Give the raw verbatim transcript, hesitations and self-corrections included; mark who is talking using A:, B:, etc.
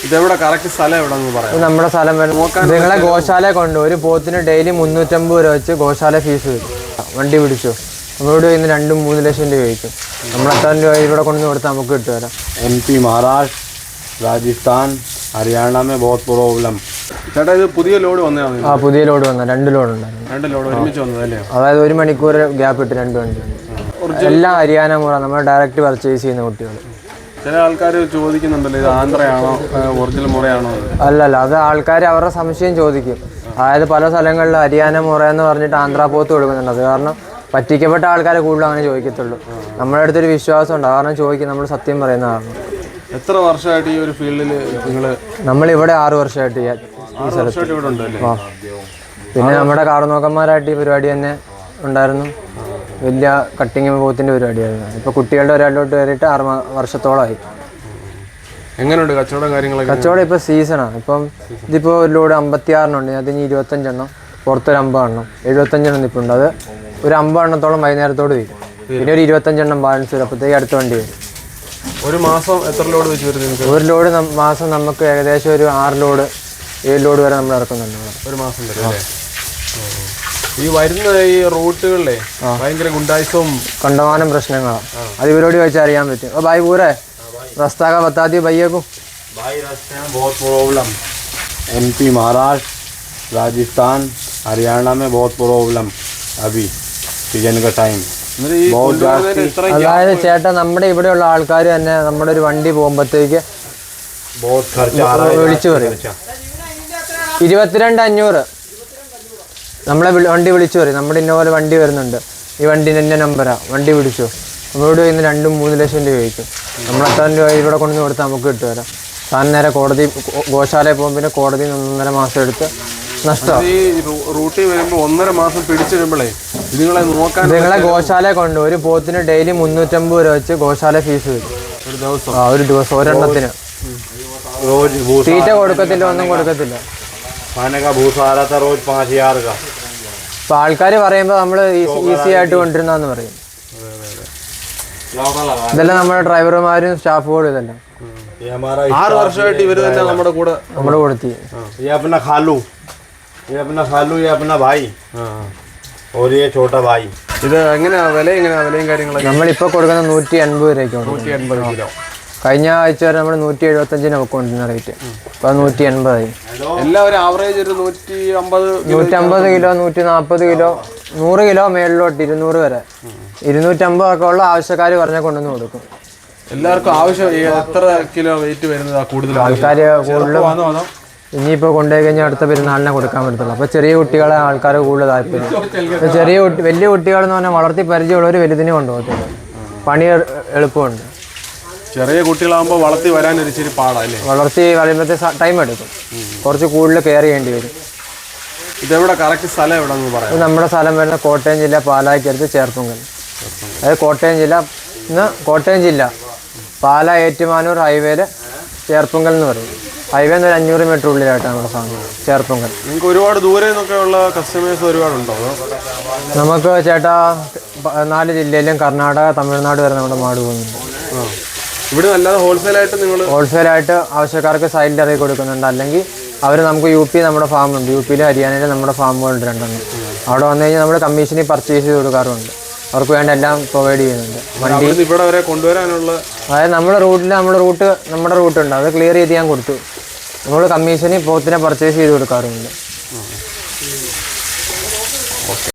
A: ഇതെവിടെ കറക്റ്റ് സ്ഥലം എവിടെയെന്ന് പറയാം.
B: നമ്മുടെ സ്ഥലം നിങ്ങളെ ഗോശാല കൊണ്ട് ഒരു പോത്തിന് ഡെയിലി മുന്നൂറ്റമ്പത് രൂപ വെച്ച് ഗോശാല ഫീസ് വരും. വണ്ടി പിടിച്ചു നമ്മളോട് ഇന്ന് രണ്ടും മൂന്ന് ലക്ഷം രൂപ ചോദിക്കും. നമ്മൾ എത്ര രൂപ ഇവിടെ കൊണ്ടു കൊടുത്താൽ നമുക്ക് കിട്ടുമല്ലോ.
C: എം പി മഹാരാഷ്ട്ര രാജസ്ഥാൻ ഹരിയാന മേ ബഹുത് പ്രോബ്ലം.
A: ചേട്ടാ ഇത് പുതിയ ലോഡ് വന്നതാണ്.
B: ആ പുതിയ ലോഡ് വന്ന രണ്ട് ലോഡ് ഉണ്ടായിരുന്നു.
A: രണ്ട് ലോഡ് ഒരുമിച്ച് വന്നതല്ലേ?
B: അതായത് ഒരു മണിക്കൂർ ഗ്യാപ്പ് ഇട്ട് രണ്ട് വണ്ടി. എല്ലാം ഹരിയാന മുറ നമ്മൾ ഡയറക്റ്റ് പർച്ചേസ് ചെയ്യുന്ന കുട്ടികൾ.
A: ചില ആൾക്കാർ ചോദിക്കുന്നുണ്ടല്ലോ ഇത് ആന്ധ്രയാണോ ഒറിജിനൽ മുറയാണോ?
B: അല്ലല്ല, അത് ആൾക്കാർ അവരുടെ സംശയം ചോദിക്കും. അതായത് പല സ്ഥലങ്ങളിൽ ഹരിയാന മുറ എന്ന് പറഞ്ഞിട്ട് ആന്ധ്ര പോത്ത് കൊടുക്കുന്നുണ്ട്. അത് കാരണം പറ്റിക്കപ്പെട്ട ആൾക്കാരെ കൂടുതലും അങ്ങനെ ചോദിക്കത്തുള്ളൂ. നമ്മുടെ അടുത്തൊരു വിശ്വാസം ഉണ്ട്, കാരണം ചോദിക്കും, നമ്മൾ സത്യം പറയുന്ന കാരണം.
A: എത്ര വർഷമായിട്ട് ഈ ഒരു ഫീൽഡിൽ നിങ്ങൾ?
B: നമ്മളിവിടെ ആറ് വർഷമായിട്ട് ഈ
A: സ്ഥലത്ത് ഇവിടെ ഉണ്ടല്ലേ?
B: പിന്നെ നമ്മുടെ കാർന്നോക്കന്മാരായിട്ട് ഈ പരിപാടി തന്നെ ഉണ്ടായിരുന്നു. വലിയ കട്ടിങ് പോത്തിൻ്റെ പരിപാടിയായിരുന്നു. ഇപ്പോൾ കുട്ടികളുടെ ഒരാളിലോട്ട് കയറിയിട്ട് ആറ് വർഷത്തോളമായി.
A: എങ്ങനെയുണ്ട് കച്ചവടം കാര്യങ്ങളൊക്കെ?
B: കച്ചവടം ഇപ്പോൾ സീസണാണ്. ഇപ്പം ഇതിപ്പോൾ ഒരു ലോഡ് അമ്പത്തി ആറെണ്ണം ഉണ്ട്. അതിന് ഇരുപത്തഞ്ചെണ്ണം, പുറത്തൊരു അമ്പതെണ്ണം, എഴുപത്തഞ്ചെണ്ണം നിൽപ്പുണ്ട്. അത് ഒരു അമ്പതെണ്ണത്തോളം വൈകുന്നേരത്തോട് വരും. പിന്നെ ഒരു ഇരുപത്തഞ്ചെണ്ണം ബാലൻസ് വരും. അപ്പോഴത്തേക്ക് അടുത്ത വണ്ടി വരും.
A: ഒരു മാസം എത്ര ലോഡ് വെച്ച് വരുന്നത്?
B: ഒരു ലോഡ് മാസം നമുക്ക് ഏകദേശം ഒരു ആറ് ലോഡ് ഏഴ് ലോഡ് വരെ നമ്മൾ ഇറക്കുന്നുണ്ട്
A: ഒരു മാസം വരെ അല്ലേ? ഈ വരുന്ന ഈ റൂട്ടുകളിലെ ഭയങ്കര ഗുണ്ടായിസവും
B: കണ്ടമാനം പ്രശ്നങ്ങളാണ്. അത് ഇവരോട് ചോദിച്ചാൽ അറിയാൻ പറ്റും. ഓ ഭായി പൂരെ റസ്താ കാ ബത്താ ദിയോ ഭയ്യ को.
C: भाई रास्ते में बहुत प्रॉब्लम. एमपी महाराष्ट्र राजस्थान हरियाणा में बहुत प्रॉब्लम अभी सीजन का टाइम.
B: അതായത് ചേട്ടാ നമ്മുടെ ഇവിടെയുള്ള ആൾക്കാർ തന്നെ നമ്മുടെ ഒരു വണ്ടി പോകുമ്പോഴത്തേക്ക് വിളിച്ചു പറയും ഇരുപത്തിരണ്ട് അഞ്ഞൂറ്. നമ്മളെ വണ്ടി വിളിച്ചു പറയും, നമ്മുടെ ഇന്ന പോലെ വണ്ടി വരുന്നുണ്ട്, ഈ വണ്ടിൻ്റെ എൻ്റെ നമ്പരാ, വണ്ടി പിടിച്ചു. നമ്മളോട് ഇന്ന് രണ്ടും മൂന്ന് ലക്ഷം രൂപ ചോദിക്കും. നമ്മൾ എത്ര രൂപ ഇവിടെ കൊണ്ടു കൊടുത്താൽ നമുക്ക് കിട്ടുമല്ലോ. താൻ നേരെ കോടതി ഗോശാലയിൽ പോകുമ്പോൾ പിന്നെ കോടതിയിൽ നിന്ന് ഒന്നര മാസം എടുത്ത് നഷ്ടം.
A: ഈ റൂട്ടിൽ വരുമ്പോൾ ഒന്നര മാസം പിടിച്ചിരുമ്പോഴേ നിങ്ങളെ നോക്കാൻ
B: നിങ്ങളെ ഗോശാല കൊണ്ട് ഒരു പോത്തിന് ഡെയിലി മുന്നൂറ്റമ്പത് രൂപ വെച്ച് ഗോശാല ഫീസ് വരും
A: ഒരു ദിവസം.
B: ആ ഒരു ദിവസം ഒരെണ്ണത്തിന്. തീറ്റ കൊടുക്കത്തില്ല, ഒന്നും കൊടുക്കത്തില്ല. ഇപ്പൊ ആൾക്കാർ പറയുമ്പോൾ നമ്മൾ ഈസി ആയിട്ട് കൊണ്ടിരുന്നാന്ന് പറയും. ഇതെല്ലാം നമ്മുടെ ഡ്രൈവർമാരും സ്റ്റാഫുകളും ഇതെല്ലാം
A: ആറ് വർഷമായിട്ട് ഇവര് തന്നെ നമ്മുടെ കൂടെ
B: നമ്മുടെ കൊടുത്തി.
A: ഇത് എങ്ങനെയാ വില? എങ്ങനെയാ വിലയും കാര്യങ്ങളൊക്കെ?
B: നമ്മളിപ്പോ കൊടുക്കുന്ന നൂറ്റി എൺപത് രൂപയ്ക്ക്.
A: നൂറ്റി എൺപത് കിലോ.
B: കഴിഞ്ഞ ആഴ്ച വരെ നമ്മൾ നൂറ്റി എഴുപത്തഞ്ചിന് കൊണ്ടിരുന്ന റേറ്റ് ഇപ്പൊ നൂറ്റി എൺപതായി.
A: എല്ലാവരും ആവറേജ് ഒരു നൂറ്റി അമ്പത്
B: നൂറ്റമ്പത് കിലോ, നൂറ്റി നാൽപ്പത് കിലോ, നൂറ് കിലോ മേളിലോട്ട് ഇരുന്നൂറ് വരെ. ഇരുന്നൂറ്റമ്പത് ഒക്കെ ഉള്ള ആവശ്യക്കാർ പറഞ്ഞാൽ കൊണ്ടുവന്ന് കൊടുക്കും.
A: എല്ലാവർക്കും ആവശ്യം എത്ര കിലോ വെയിറ്റ് വരുന്നതാ കൂടുതൽ
B: ആൾക്കാർ കൂടുതലും? ഇനിയിപ്പോൾ കൊണ്ടുപോയി കഴിഞ്ഞാൽ അടുത്ത പെരുന്നാളിനെ കൊടുക്കാൻ പറ്റത്തുള്ളൂ. അപ്പോൾ ചെറിയ കുട്ടികളെ ആൾക്കാർ കൂടുതൽ താല്പര്യം. ചെറിയ കുട്ടി വലിയ കുട്ടികളെന്ന് പറഞ്ഞാൽ വളർത്തി പരിചയമുള്ളവർ വലുതിനെ കൊണ്ടുപോകത്തില്ല. പണി എളുപ്പമുണ്ട്.
A: ചെറിയ കുട്ടികളാകുമ്പോൾ വളർത്തി വരാൻ ഒരു ഇച്ചിരി പാടല്ലേ?
B: വളർത്തി വരുമ്പോഴത്തെ ടൈം എടുക്കും, കുറച്ച് കൂടുതൽ കെയർ ചെയ്യേണ്ടി വരും.
A: ഇതെവിടെ കറക്റ്റ് സ്ഥലം എവിടെയെന്ന് പറയാം?
B: ഇത് നമ്മുടെ സ്ഥലം വരുന്ന കോട്ടയം ജില്ല പാലായ്ക്കടുത്ത് ചേർപ്പുങ്കൽ. അതായത് കോട്ടയം ജില്ല ഇന്ന് കോട്ടയം ജില്ല പാല ഏറ്റുമാനൂർ ഹൈവേയിൽ ചേർപ്പുങ്കൽ എന്ന് പറയും. ഹൈവേ ഒരു അഞ്ഞൂറ് മീറ്റർ ഉള്ളിലായിട്ടാണ് നമ്മുടെ സാധനം ചേർപ്പുങ്കൽ.
A: നിങ്ങൾക്ക് ഒരുപാട് ദൂരെ നിന്നൊക്കെ ഉള്ള കസ്റ്റമേഴ്സ് ഒരുപാടുണ്ടോ?
B: നമുക്ക് ചേട്ടാ നാല് ജില്ലയിലും കർണാടക, തമിഴ്നാട് വരെ നമ്മുടെ മാട് പോകുന്നുണ്ട്.
A: ഇവിടെ അല്ലാതെ ഹോൾസെയിലായിട്ട് നിങ്ങൾ
B: ഹോൾസെയിലായിട്ട് ആവശ്യക്കാർക്ക് സൈഡിൽ ഇറക്കി കൊടുക്കുന്നുണ്ട്. അല്ലെങ്കിൽ അവർ നമുക്ക് യു പി നമ്മുടെ ഫാമുണ്ട്, യു പിയിലും ഹരിയാനയിലും നമ്മുടെ ഫാമുകളുണ്ട് രണ്ടെണ്ണം. അവിടെ വന്നു കഴിഞ്ഞാൽ നമ്മൾ കമ്മീഷനിൽ പർച്ചേസ് ചെയ്ത് കൊടുക്കാറുണ്ട്. അവർക്ക് വേണ്ട എല്ലാം പ്രൊവൈഡ് ചെയ്യുന്നുണ്ട്. വണ്ടി
A: ഇവിടെ വരെ കൊണ്ടുവരാനുള്ള
B: അതായത് നമ്മുടെ റൂട്ടിൽ നമ്മുടെ റൂട്ട് നമ്മുടെ റൂട്ടുണ്ട്, അത് ക്ലിയർ ചെയ്ത് ഞാൻ കൊടുത്തു. നമ്മൾ കമ്മീഷനിൽ പോത്തിനെ പർച്ചേസ് ചെയ്ത് കൊടുക്കാറുണ്ട്.